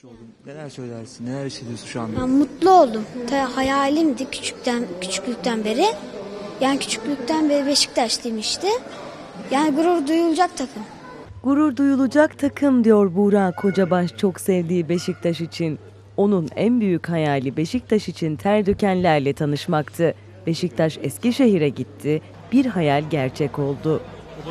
Oldun. Neler söylersin? Neler hissediyorsun şu anda? Ben mutlu oldum. Hayalimdi küçüklükten beri. Yani küçüklükten beri Beşiktaşlıyım işte. Yani gurur duyulacak takım. Gurur duyulacak takım diyor Buğra Kocabaş çok sevdiği Beşiktaş için. Onun en büyük hayali Beşiktaş için ter dökenlerle tanışmaktı. Beşiktaş Eskişehir'e gitti, bir hayal gerçek oldu.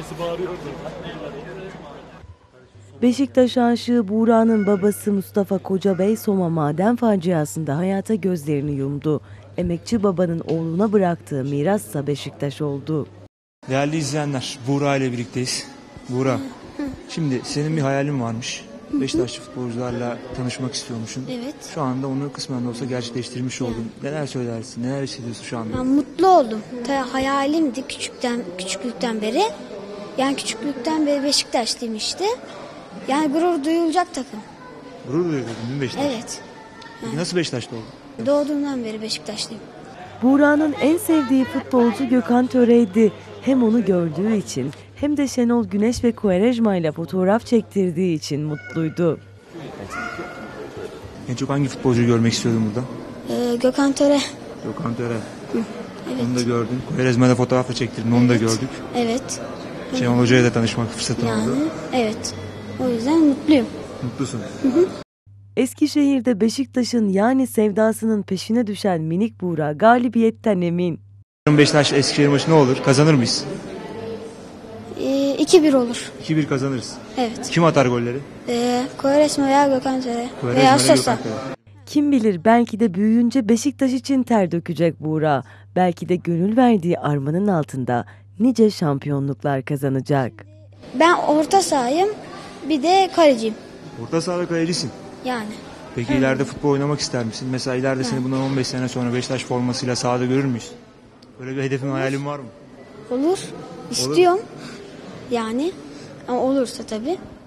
Beşiktaş aşığı Buğra'nın babası Mustafa Kocabey Soma maden faciasında hayata gözlerini yumdu. Emekçi babanın oğluna bıraktığı mirassa Beşiktaş oldu. Değerli izleyenler, Buğra ile birlikteyiz. Buğra, şimdi senin bir hayalin varmış. Beşiktaşlı futbolcularla tanışmak istiyormuşsun. Evet. Şu anda onu kısmen de olsa gerçekleştirmiş oldun. Neler söylersin? Neler hissediyorsun şu anda? Ben mutlu oldum. Hayalimdi küçüklükten beri. Yani küçüklükten beri Beşiktaşlıyım işte. Yani gurur duyulacak takım. Gurur duyuyordun değil mi Beşiktaş? Evet. Peki nasıl Beşiktaşlı oldun? Doğduğumdan beri Beşiktaşlıyım. Buğra'nın en sevdiği futbolcu Gökhan Töre'ydi. Hem onu gördüğü için hem de Şenol Güneş ve Quaresma ile fotoğraf çektirdiği için mutluydu. En çok hangi futbolcuyu görmek istiyordun burada? Gökhan Töre. Gökhan Töre. Evet. Onu da gördün. Quaresma'da fotoğrafla çektirdin. Onu da gördük. Evet. Şenol Hoca'ya da tanışmak fırsatın oldu. Evet. O yüzden mutluyum. Mutlusun. Eskişehir'de Beşiktaş'ın yani sevdasının peşine düşen minik Buğra galibiyetten emin. Beşiktaş Eskişehir maçı ne olur? Kazanır mıyız? 2-1 olur. 2-1 kazanırız. Evet. Kim atar golleri? Quaresma veya Gökhan Töre. Quaresma Veya ile Sosa. Gökhan Töre. Kim bilir belki de büyüyünce Beşiktaş için ter dökecek Buğra. Belki de gönül verdiği armanın altında nice şampiyonluklar kazanacak. Ben orta sahayım. Bir de kaleciyim. Orta sahada kalecisin. Yani. Peki ileride futbol oynamak ister misin? Mesela ileride seni bundan 15 sene sonra Beşiktaş formasıyla sahada görür müyüz? Böyle bir hedefin, hayalin var mı? Olur. İstiyorum. Yani. Ama olursa tabii.